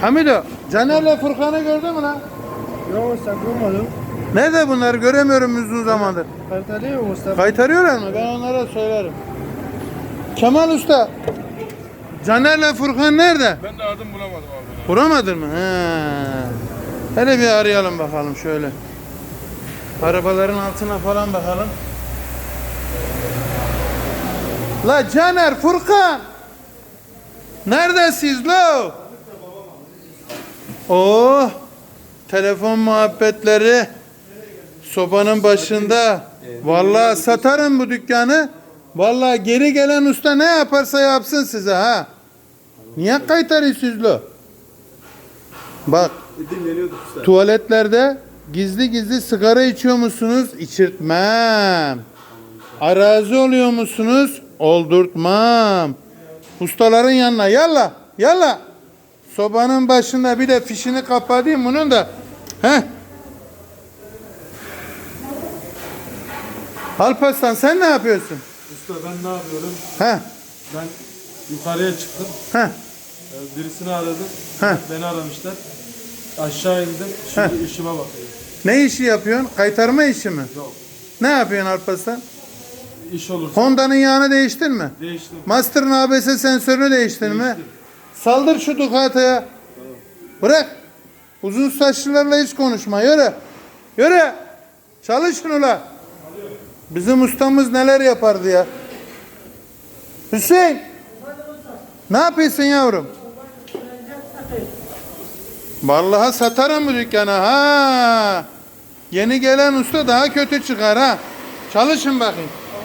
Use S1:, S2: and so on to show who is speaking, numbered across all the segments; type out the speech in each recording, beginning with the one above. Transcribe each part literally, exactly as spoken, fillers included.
S1: Hamido, Caner'le Furkan'ı gördün mü lan?
S2: Yok usta bulmadım.
S1: Nerede bunlar? Göremiyorum uzun zamandır.
S2: Kaytarıyor mu usta?
S1: Kaytarıyorlar mı? Ben onlara söylerim. Kemal Usta, Caner'le Furkan nerede?
S3: Ben de aradım bulamadım abi.
S1: Vuramadın mı? He. Hele bir arayalım bakalım şöyle. Arabaların altına falan bakalım. La Caner, Furkan! Neredesiniz lo? Oh! Telefon muhabbetleri sobanın başında. Vallahi satarım bu dükkanı. Vallahi geri gelen usta ne yaparsa yapsın size ha. Niye kaytarıyorsunuz lo? Bak,
S2: Dinleniyorduk usta.
S1: tuvaletlerde gizli gizli sigara içiyor musunuz? İçirtmem. Arazi oluyor musunuz? Oldurtmam. Ustaların yanına yalla yalla. Sobanın başında bir de fişini kapatayım bunun da. Heh. Alparslan sen ne yapıyorsun?
S2: Usta ben ne yapıyorum?
S1: Heh.
S2: Ben yukarıya çıktım.
S1: Heh.
S2: Ee, Birisini aradım.
S1: Heh.
S2: Beni aramışlar. Aşağı indim. Şimdi işime bakıyorum.
S1: Ne işi yapıyorsun? Kaytarma işi mi?
S2: Yok.
S1: Ne yapıyorsun Alparslan?
S2: İş olursa
S1: Honda'nın yağını değiştin mi?
S2: değiştim.
S1: Master'ın A B S sensörünü değiştin mi?
S2: Değiştim.
S1: Saldır şu Ducati'ye. Bırak. Uzun saçlılarla hiç konuşma. Yürü. Yürü. Çalışın ula. Bizim ustamız neler yapardı ya. Hüseyin. Ne yapıyorsun yavrum? Vallahi satarım bu dükkanı ha. Yeni gelen usta daha kötü çıkar ha. Çalışın bakayım.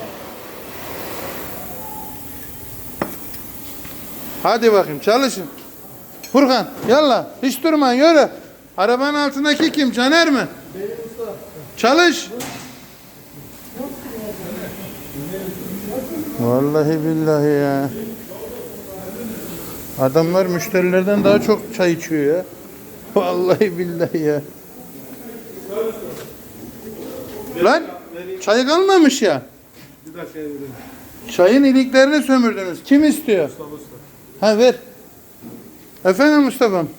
S1: Hadi bakayım çalışın. Furkan yallah hiç durma yürü. Arabanın altındaki kim? Caner mi?
S2: Benim usta.
S1: Çalış. Vallahi billahi ya. Adamlar müşterilerden daha çok çay içiyor ya. Vallahi billahi ya. Lan çay kalmamış ya.
S2: Bir dakika vereyim.
S1: Çayın iliklerini sömürdünüz. Kim istiyor?
S2: Usta usta.
S1: Ha ver. Efendim Mustafa'm.